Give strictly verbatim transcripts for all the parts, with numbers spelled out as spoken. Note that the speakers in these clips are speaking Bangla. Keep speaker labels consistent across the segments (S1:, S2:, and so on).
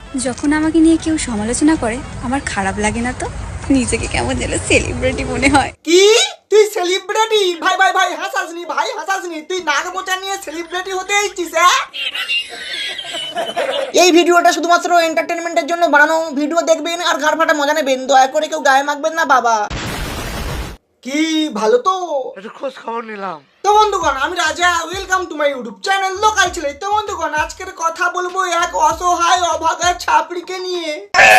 S1: যখন আমাকে নিয়ে কেউ সমালোচনা করে আমার খারাপ লাগে না তো, নিজেকে কেমন যেন সেলিব্রিটি মনে হয়।
S2: কি তুই সেলিব্রিটি? ভাই ভাই ভাই হাসাসনি, ভাই হাসাসনি, তুই নাক মোচা নিয়ে সেলিব্রিটি হতে এসেছিস? এই ভিডিওটা শুধুমাত্র এন্টারটেনমেন্টের জন্য বানানো। ভিডিও দেখবেন আর ঘাড় ফাটা মজা নেবেন, দয়া করে কেউ গায়ে মাখবেন না বাবা। কি ভালো তো,
S3: একটু খোঁজ খবর নিলাম।
S2: তো বন্ধুগণ আমি Raja, welcome to my YouTube channel local ছেলে। তো বন্ধুগণ আজকের কথা বলবো এক অসহায় অভাগা ছাপড়িকে নিয়ে।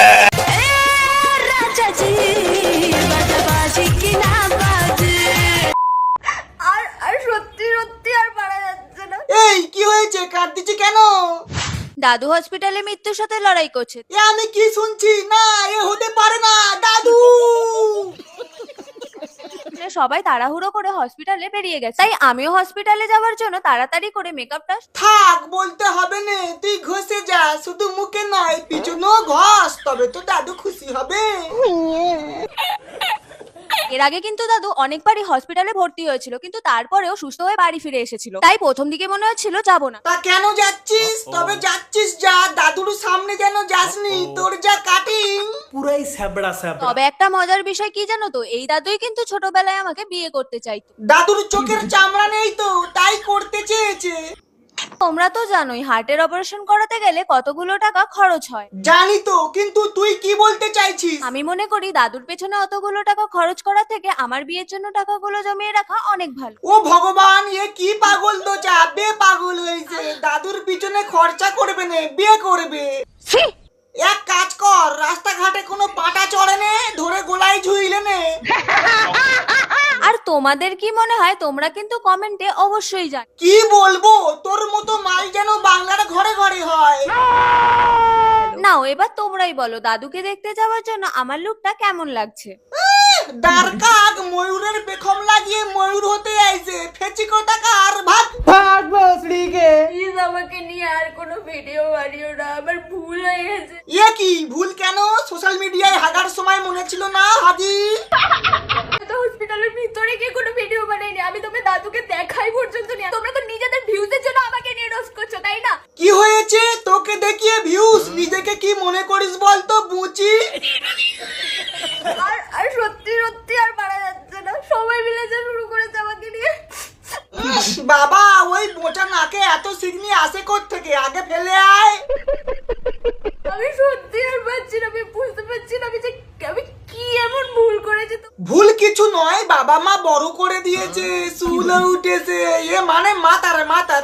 S4: আর আর সত্যি সত্যি আর পারা যাচ্ছে না।
S2: এই কি হয়েছে, কাঁদতেছি কেন?
S4: দাদু হসপিটালে মৃত্যুর সাথে লড়াই করছে।
S2: এ আমি কি শুনছি? না এ হতে পারে না, দাদু।
S4: সবাই তাড়াহুড়ো করে হসপিটালে বেরিয়ে গেছে, তাই আমিও হসপিটালে যাওয়ার জন্য তাড়াতাড়ি করে মেকআপটা।
S2: থাক বলতে হবে না, তুই ঘষে যা, শুধু মুখে নয় পিছনেও ঘষ, তবে তো দাদু খুশি হবে।
S4: এর আগে কিন্তু দাদু অনেকবারই হসপিটালে ভর্তি হয়েছিল, কিন্তু তারপরেও সুস্থ হয়ে বাড়ি ফিরে এসেছিল। তাই প্রথম দিকে মনে হচ্ছিল যাবো না।
S2: তা কেন যাচ্ছিস? তবে যাচ্ছিস যা, দাদুর সামনে যেন যাসনি, তোর যা কাটিং
S5: পুরাই স্যাবড়া স্যাবড়া।
S4: তবে একটা মজার বিষয় কি জানো তো, এই দাদুই কিন্তু ছোটবেলায় আমাকে বিয়ে করতে চাইতো।
S2: দাদুর চোখের চামড়া নেই তো, তাই করতে চেয়েছে।
S4: তোমরা তো জানোই হার্টের অপারেশন করাতে গেলে কতগুলো টাকা খরচ হয়।
S2: জানি তো, কিন্তু তুই কি বলতে চাইছিস?
S4: আমি মনে করি দাদুর পেছনে অতগুলো টাকা খরচ করা থেকে আমার বিয়ের জন্য টাকাগুলো জমিয়ে রাখা অনেক ভালো।
S2: ও ভগবান, এ কি পাগল তো যাবে, পাগল হয়েছে। দাদুর পিছনে খরচা করবে না, বিয়ে করবে। এক কাজ কর, রাস্তাঘাটে কোনো পাটা চড়ে নে, ধরে গোলায় ঝুইলে নে।
S4: আর তোমাদের কি মনে হয়? তোমরা কিন্তু কমেন্টে অবশ্যই জান।
S2: কি বলবো, তোর মতো মাল যেন বাংলার ঘরে ঘরে হয়।
S4: নাও এবার তোমরাই বলো, দাদুকে দেখতে যাওয়ার জন্য আমার লুকটা কেমন লাগছে?
S2: ডারকাক ময়ূরের পেখম লাগিয়ে ময়ূর হতে আইছে, ফেচি কোটাকার। ভাগ ভাগ বসড়িকে।
S4: প্লিজ আমাকে নিয়ে আর কোনো ভিডিও বানিও না, আমার ভুল হয়ে গেছে।
S2: এ কি ভুল কেন? সোশ্যাল মিডিয়ায় হাগার সময় মনে ছিল না হাজি?
S4: তো হসপিটালের ভিতরে গিয়ে কোনো ভিডিও বানাইনি, আমি তোমার দাদুকে দেখাই পর্যন্ত নি। তোমরা তো নিজেদের ভিউজের জন্য আমাকে নিয়ে রোস্ট করছো, তাই না?
S2: কি হয়েছে তোকে দেখিয়ে ভিউজ? নিজেকে কি মনে করিস বলতো বুচি?
S4: আর আর সত্যি সত্যি আর পারা যাচ্ছে না, সবাই মিলে যা শুরু করেছে আমাকে নিয়ে।
S2: ইস, বাবা ওই বোচা নাকে এত সিগনি আসে কোত্থেকে? আগে ফেলে আয়।
S4: আমি সত্যি আর পাচ্ছি না, আমি বুঝতে পারছি না আমি যে আমি কি এমন ভুল করেছি। তো
S2: ভুল কিছু নয়, বাবা মা বড় করে দিয়েছে, চুলও উঠেছে, এ মানে মাতার মাতার।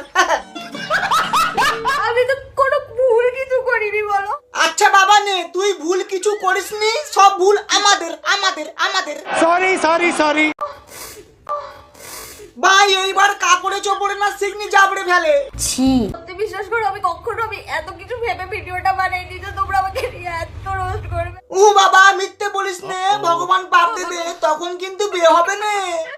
S4: আমি তো কোনো ভুল কিছু করিনি, বলো।
S2: আচ্ছা বাবা নে, তুই ভুল কিছু করিসনি, সব ভুল আমাদের আমাদের আমাদের।
S3: Sorry sorry sorry.
S2: ভাই এইবার কাপড়ে চোপড়ে না সিগনি জাবড়ে ফেলে।
S4: সত্যি বিশ্বাস করো, আমি কখনো আমি এত কিছু ভেবে ভিডিওটা বানাইনি যে তোমরা আমাকে নিয়ে এত রোস্ট করবে।
S2: ও বাবা মিথ্যে বলিস নে, ভগবান পাপ দেবে, তখন কিন্তু বিয়ে হবে না।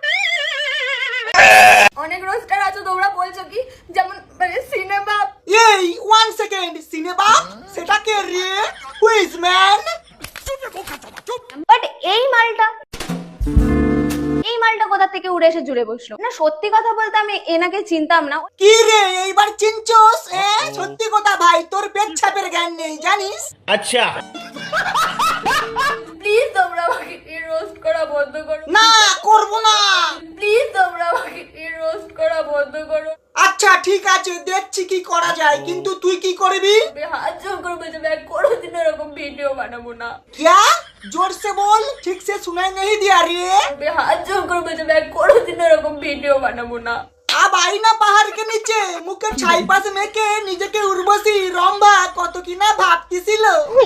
S4: অনেক রোস্টার আছে, তোমরা বলছো কি যেমন মানে সিনেমা।
S2: এই ওয়ান সেকেন্ড, সিনেমা সেটা কে রে? Who's man?
S4: বাট এই মালটা এই মালটা কোথা থেকে উড়ে এসে জুড়ে বসলো? না সত্যি কথা বলতে আমি এনাকে চিনতাম না।
S2: কি রে এইবার চিনছস? এ সত্যি কথা ভাই, তোর পেচ্ছাপের জ্ঞান নেই জানিস?
S3: আচ্ছা
S4: প্লিজ তোমরা আমাকে নিয়ে রোস্ট করা বন্ধ করো।
S2: না করব না।
S4: প্লিজ তোমরা আমাকে নিয়ে রোস্ট করা বন্ধ করো।
S2: আচ্ছা ঠিক আছে, দেখছি কি করা যায়, কিন্তু তুই কি করবি?
S4: আমি হাত জোর করে বলছি আমি কোনোদিন এরকম ভিডিও বানাবো না।
S2: क्या? जोर से बोल, ठीक से सुनाई नहीं दिया रे।
S4: আমি হাত জোর করে বলছি আমি কোনোদিন এরকম ভিডিও বানাবো না।
S2: अब आई ना पहाड़ के नीचे, मुखे छाई पास मेके নিজেকে উর্বশী রম্ভা কত কি না ভাবতেছিল।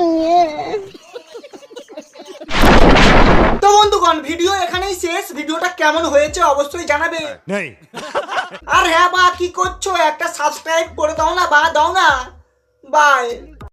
S2: তো বন্ধুগণ ভিডিও এখানেই শেষ। ভিডিওটা কেমন হয়েছে অবশ্যই জানাবে।
S3: নেই
S2: আর হ্যাঁ বা কি করছো, একটা সাবস্ক্রাইব করে দাও না, বা দাও না। বাই।